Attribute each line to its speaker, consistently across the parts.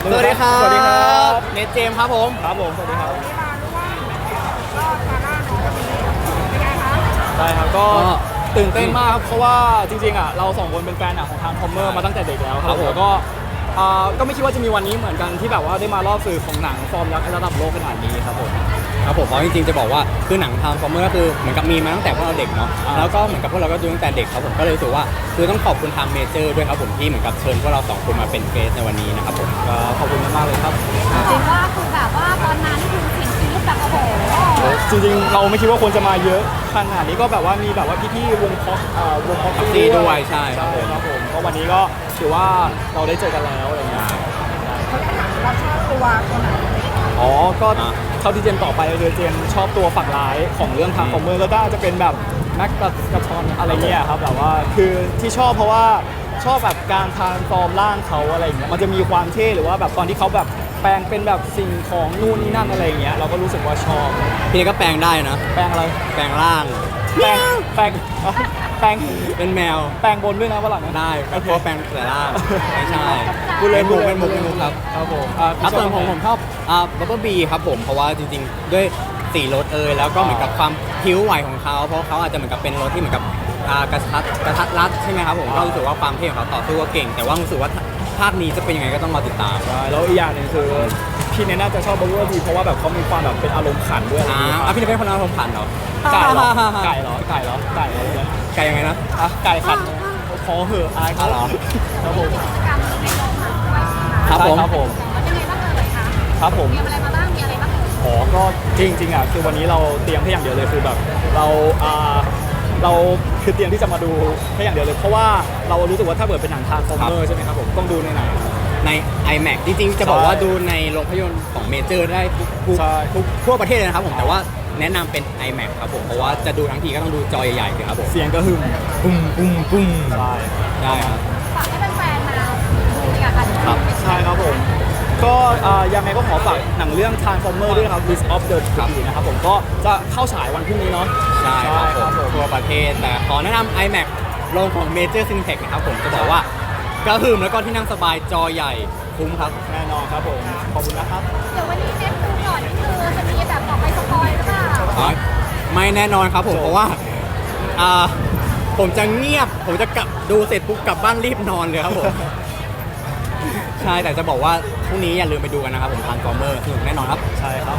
Speaker 1: สวัสดีครับ
Speaker 2: สวัสดีครับ
Speaker 1: เนทเจมส์ครับผม
Speaker 2: ครับผมสวัสดีครับ
Speaker 3: วันนี้มารู้ว่าก็ซาร่าของวันนี้เป็นไงคะ
Speaker 2: ใช่ครับก็ตื่นเต้นมากครับเพราะว่าจริงๆอ่ะเราสองคนเป็นแฟนหนังของทางคอมเมอร์มาตั้งแต่เด็กแล้วครับแล้วก็ไม่คิดว่าจะมีวันนี้เหมือนกันที่แบบว่าได้มารอบสื่อของหนังฟอร์มยักษ์ระดับโลกขนาดนี้ครับผม
Speaker 1: ครับผมเพราะจริงๆจะบอกว่าคือหนังทางฟอร์เมอร์ก็คือเหมือนกับมีมาตั้งแต่พวกเราเด็กเนาะแล้วก็เหมือนกับพวกเราก็ดูตั้งแต่เด็กครับผมก็เลยรู้สึกว่าคือต้องขอบคุณทางเมเจอร์ด้วยครับผมที่เหมือนกับเชิญพวกเราสองคนมาเป็นเกสในวันนี้นะครับผม
Speaker 2: ก็ขอบคุณมากๆเลยครับ
Speaker 3: จริงว่าคือแบบว่าตอนนั้นคือสิ่งที่แบบโอ้โห
Speaker 2: จริงๆเราไม่คิดว่าคนจะมาเยอะขนาดนี้ก็แบบว่ามีแบบว่าพี่ๆวงพ็อกซี่
Speaker 1: ด้วยใช่
Speaker 2: ครับผมก็วันนี้ก็ถือว่าเราได้เจอกันแล้วอะไรเงี้ย
Speaker 3: เราชอบตัวไหน
Speaker 2: อ๋อก็เท่าที่เจมต่อไปเลยเจมชอบตัวฝั่งร้ายของเรื่องทางคอมเมอร์ก็น่าจะเป็นแบบแม็กกระชอนอะไรเงี้ยครับแบบว่าคือที่ชอบเพราะว่าชอบแบบการทานฟอร์มร่างเขาอะไรเงี้ยมันจะมีความเท่หรือว่าแบบตอนที่เขาแบบแปลงเป็นแบบสิ่งของนู่นนี่นั่นอะไรเงี้ยเราก็รู้สึกว่าชอบ
Speaker 1: พี่เนทก็แปลงได้นะ
Speaker 2: แปลงอะไร
Speaker 1: แปลงร่าง
Speaker 2: แปลงแปลงแปลง
Speaker 1: เป็นแมว
Speaker 2: แปลงบนด้วยนะฝรั่งนะ
Speaker 1: ได้ก็เพราะแปลงแต่ร่างไม่ใช่
Speaker 2: พูดเล่น
Speaker 1: เป็นมุกครับ
Speaker 2: ครับผม
Speaker 1: ครับส่วนผมชอบบับเบิ้ลบีครับผมเพราะว่าจริงๆด้วยสีรถแล้วก็เหมือนกับความผิวไหวของเขาเพราะเขาอาจจะเหมือนกับเป็นรถที่เหมือนกับกระทัดรัดใช่ไหมครับผมก็รู้สึกว่าความเท่ของเขาต่อสู้ก็เก่ง แต่ว่ารู้สึกว่าภาคนี้จะเป็นยังไงก็ต้องรอติดตาม
Speaker 2: แล้วอีกอย่างหนึงคือพี่เนี่ยน่าจะชอบบับเบิ้ลบีเพราะว่าแบบเขามีความแบบเป็นอารมณ์ขันด้วย
Speaker 1: พี่เนทเป็นคนเอาผมผ่านเหรอ
Speaker 2: ไก่เหรอไก่เหรอไก่เหรอไก่เหรอเนี่ย
Speaker 1: ไก่ยังไงนะ
Speaker 2: อ่ะไก่ขันขอเหอะอายเขา
Speaker 1: เหรอ
Speaker 2: ครับผม
Speaker 3: กิจกรรมในโรงหนังด้วย
Speaker 1: ครับผม
Speaker 2: ครับผม
Speaker 3: แล้วยังไงบ้างเลยคะ
Speaker 2: ครับผม
Speaker 3: มีอะไรมาบ้างมีอะไรบ้าง
Speaker 2: อ๋อก็จริงๆอ่ะคือวันนี้เราเตรียมแค่อย่างเดียวเลยคือแบบเราคือเตรียมที่จะมาดูแค่อย่างเดียวเลยเพราะว่าเรารู้สึกว่าถ้าเกิดเป็นหนังทางคอมเมอร์ใช่ไหมครับผมต้องดูในไหน
Speaker 1: ใน iMac จริงๆ จะบอกว่าดูในโรงภาพยนตร์ของเมเจอร์ได้ทุก
Speaker 2: ใช่
Speaker 1: ทั่วประเทศเลยนะครับผมแต่ว่าแนะนำเป็น iMac ครับผมเพราะว่าจะดูทั้งทีก็ต้องดูจอใหญ่ๆเลยครับผม
Speaker 2: เสียงก็หึ่ม
Speaker 1: ปุ้มปุ้มปุ้ม
Speaker 2: ใช่
Speaker 1: ได้ครับ
Speaker 3: ฝากให้แฟนๆมาดูเลยค่ะ
Speaker 1: ครับ
Speaker 2: ใช่ครับผมก็ยังไงก็ขอฝากหนังเรื่อง Transformer ด้วยนะครับ List of the Tree นะครับผมก็จะเข้าฉายวันพรุ่งนี้เนาะ
Speaker 1: ใช่ครับผมทั่วประเทศแต่ขอแนะนำ iMac โรงของ Major Cineplex นะครับผมจะบอกว่ากระหึ่มแล้วก็ที่นั่งสบายจอใหญ่คุ้มครับ
Speaker 2: แน่นอนครับผมขอบคุณนะครับ
Speaker 3: เดี๋ยววันนี้เน็ตดูก่อนนี่คือจะมีแบบบอกไปสปอยหรือเปล่า
Speaker 1: ไม่แน่นอนครับผมเพราะว่าผมจะเงียบผมจะกลับดูเสร็จปุ๊บกลับบ้านรีบนอนเลยครับผม ใช่แต่จะบอกว่าพรุ่งนี้อย่าลืมไปดูกันนะครับผมทางฟอร์เมอร์สนุกแน่นอนครับ
Speaker 2: ใช่ครับ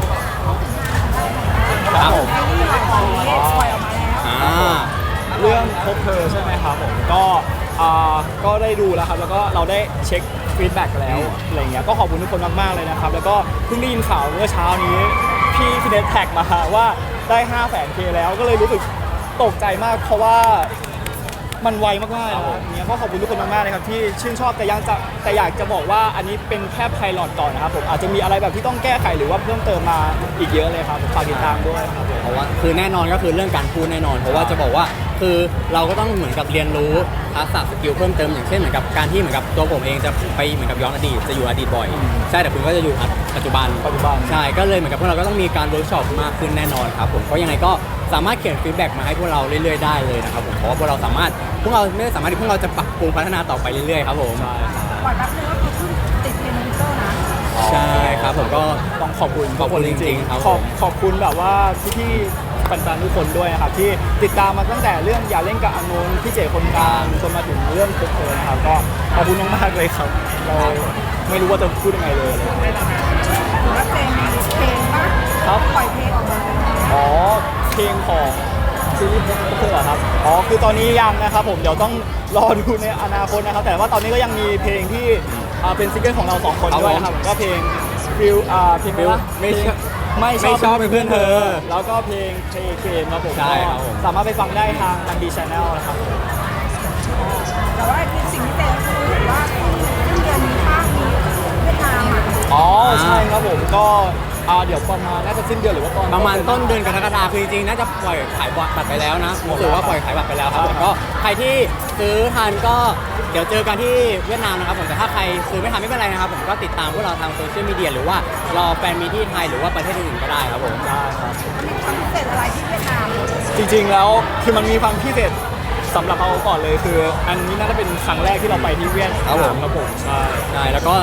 Speaker 1: ครับผม
Speaker 3: ไอ้นี่ของปล่อยออกมาแล้ว
Speaker 2: เรื่องพบเธอใช่ไหมครับผมก็ได้ดูแล้วครับแล้วก็เราได้เช็คฟีดแบ็กแล้วอะไรเงี้ยก็ขอบคุณทุกคนมากๆเลยนะครับแล้วก็เพิ่งได้ยินข่าวเมื่อเช้านี้พี่เนทแท็กมาว่าได้ 500,000K แล้วก็เลยรู้สึกตกใจมากเพราะว่ามันไวมากๆนะครับอย่างเงี้ยก็ขอบคุณทุกคนมากๆเลยครับที่ชื่นชอบแต่อยากจะบอกว่าอันนี้เป็นแค่ไพลอตก่อนนะครับผมอาจจะมีอะไรแบบที่ต้องแก้ไขหรือว่าเพิ่มเติมมาอีกเยอะเลยครับฝากติดตามด้วยครับผม
Speaker 1: เพราะว่าคือแน่นอนก็คือเรื่องการพูดแน่นอน เพราะว่าจะบอกว่าคือเราก็ต้องเหมือนกับเรียนรู้ทักษะสกิลเพิ่มเติมอย่างเช่นเหมือนกับการที่เหมือนกับตัวผมเองจะไปเหมือนกับย้อนอดีตจะอยู่อดีตบ่อยใช่แต่คุณก็จะอยู่ปัจจุบันใช่ก็เลยเหมือนกับพวกเราก็ต้องมีการเวิร์กช็อปมากขึ้นแน่นอนครับผมเพราะยังไงก็สามารถเขียนฟีดแบ็กมาให้พวกเราเรื่อยๆได้เลยนะครับผมเพราะว่าพวกเราพวกเราไม่ได้สามารถที่พวกเราจะปรับปรุงพัฒนาต่อไปเรื่อยๆครับผม
Speaker 2: ใช่ครับ
Speaker 3: ปล่อยแป๊บนึงก็คือขึ้นติดเทรนด์ทวิตเตอร์นะ
Speaker 1: ใช่ครับผมก็
Speaker 2: ต้องขอบคุณ
Speaker 1: ขอบคุณ
Speaker 2: ทุกน
Speaker 1: จริงๆครับ
Speaker 2: ขอบคุณแบบว่าพี่ๆแฟนๆทุกคนด้วยนะครับที่ติดตามมาตั้งแต่เรื่องอย่าเล่นกับอานนท์พี่เจคนกลางจนมาถึงเรื่องพบเธอนะครับก็ขอบคุณมากๆเลยครับเราไม่รู้ว่าจะพูดยังไงเลย
Speaker 3: แล้วเพลงป่ะ
Speaker 2: ครับ
Speaker 3: ปล่อยเพลงออกมาแล้ว
Speaker 2: อ๋อเพลงของซีรีส์พบเธอเหรอครับอ๋อคือตอนนี้ยังนะครับผมเดี๋ยวต้องรอดูในอนาคตนะครับแต่ว่าตอนนี้ก็ยังมีเพลงที่เป็นซิงเกิลของเราสองคนด้วยนะครับก็เพลงฟิลเพลงว่า ไม่ชอบเป็นเพื่อนเธอ แล้วก็เพลงเกมครับผม
Speaker 1: ใช่ครับผม
Speaker 2: สามารถไปฟังได้ทางดังดีชาแนลนะครับ
Speaker 3: แต่ว่าสิ่งที่เต้คือเห็นว่าสิ้นเดือนนี้ภาคนี้เวียดนามอ่ะ
Speaker 2: อ๋อใช่ครับผมก็เดี๋ยวประมาณน่าจะสิ้นเดือนหรือว่าตอน
Speaker 1: ประมาณต้นเดือนกรกฎาคมคือจริงๆน่าจะปล่อยขายบัตรไปแล้วนะรู้สึกว่าปล่อยขายบัตรไปแล้วครับผมก็ใครที่ซื้อทันก็เดี๋ยวเจอกันที่เวียดนามนะครับผมแต่ถ้าใครซื้อไม่ทันไม่เป็นไรนะครับผมก็ติดตามพวกเราทางโซเชียลมีเดียหรือว่ารอแฟนมีที่ไทยหรือว่าประเทศอื่นๆก็ได้ครับผม
Speaker 2: ได้ครับ
Speaker 3: มันมีความพิเศษอะไรที่เวียดนาม
Speaker 2: จริงๆแล้วคือมันมีความพิเศษสำหรับเราก่อนเลยคือ อันนี้น่าจะเป็นครั้งแรกที่เราไปที่เวียดนามครับผมใช่
Speaker 1: ใช่แล้วก็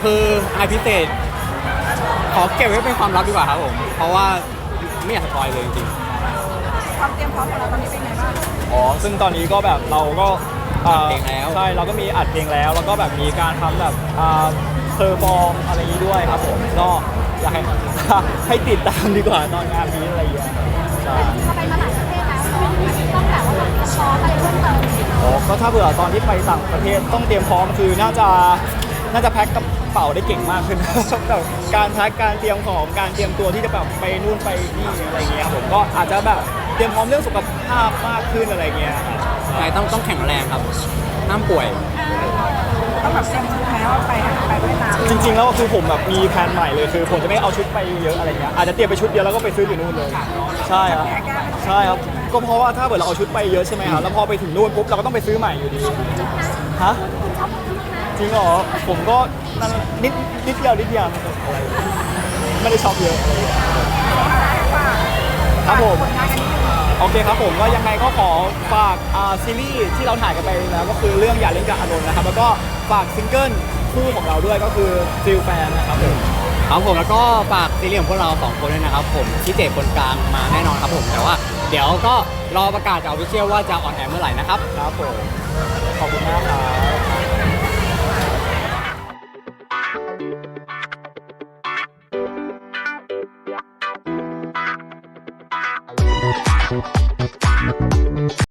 Speaker 1: คืออะไรพิเศษขอเก็บไว้เป็นความลับดีกว่าครับผมเพราะว่าไม่อยากสปอยเลยจริง
Speaker 3: ความเตรียมพร้อมของเราตอนนี้เป็นไงบ้าง
Speaker 2: อ๋อซึ่งตอนนี้ก็แบบเราก็
Speaker 1: อัดเพลงแล้ว
Speaker 2: ใช่เราก็มีอัดเพลงแล้วแล้วก็แบบมีการทำแบบเพอร์ฟอร์มอะไรอย่างนี้ด้วยครับผมก็อยากให้ ให้ติดตามดีกว่าตอนงานนี้อะไรอย่างเงี้ยใช่
Speaker 4: เขาไปมาหลายประเทศแล้วต้องแบบว่าแบบซ้อมอะไรเพิ่มเติม
Speaker 2: อ๋อก็ถ้าเผื่อตอนที่ไปต่างประเทศต้องเตรียมพร้อมคือน่าจะแพ็คกระเป๋าได้เก่งมากขึ้น แบบการแพ็คการเตรียมของการเตรียมตัวที่จะแบบไปนู่นไปนี่อะไรเงี้ยครับผมก็อาจจะแบบเตรียมพร้อมเรื่องสุขภาพมากขึ้นอะไรเงี้ยครับ
Speaker 1: ๆใช่ต้องแข็งแรงครับห้ามป่วย
Speaker 3: ต้องแบบเตรียมชุดแม้ว่าไปเวียดนาม
Speaker 2: จริงๆแล้วคือผมแบบมีแผนใหม่เลยคือผมจะไม่เอาชุดไปเยอะอะไรเงี้ยอาจจะเตรียมไปชุดเดียวแล้วก็ไปซื้ออยู่นู่นเลยใช่ครับใช่ครับก็เพราะว่าถ้าเกิดเราเอาชุดไปเยอะใช่ไหมครับแล้วพอไปถึงนู่นปุ๊บเราก็ต้องไปซื้อใหม่อยู่ดีฮะจริงเหรอผมก็นั่นนิดเดียวอะไรไม่ได้ชอบเยอะอะไรเงี้ยครับผม
Speaker 3: ผลงานกันนิดนึง
Speaker 2: โอเคครับผมก็ยังไงก็ขอฝากซีรีส์ที่เราถ่ายกันไปแล้วก็คือเรื่องอย่าเล่นกับอานนท์นะครับแล้วก็ฝากซิงเกิลคู่ของเราด้วยก็คือฟิลแฟนนะครับผม
Speaker 1: ครับผมแล้วก็ฝากซีรีส์ของพวกเรา2คนด้วยนะครับผมที่เจคนกลางมาแน่นอนครับผมแต่ว่าเดี๋ยวก็รอประกาศจากออฟฟิเชียลว่าจะออนแอร์เมื่อไหร่นะครับ
Speaker 2: ครับผมขอบคุณมาก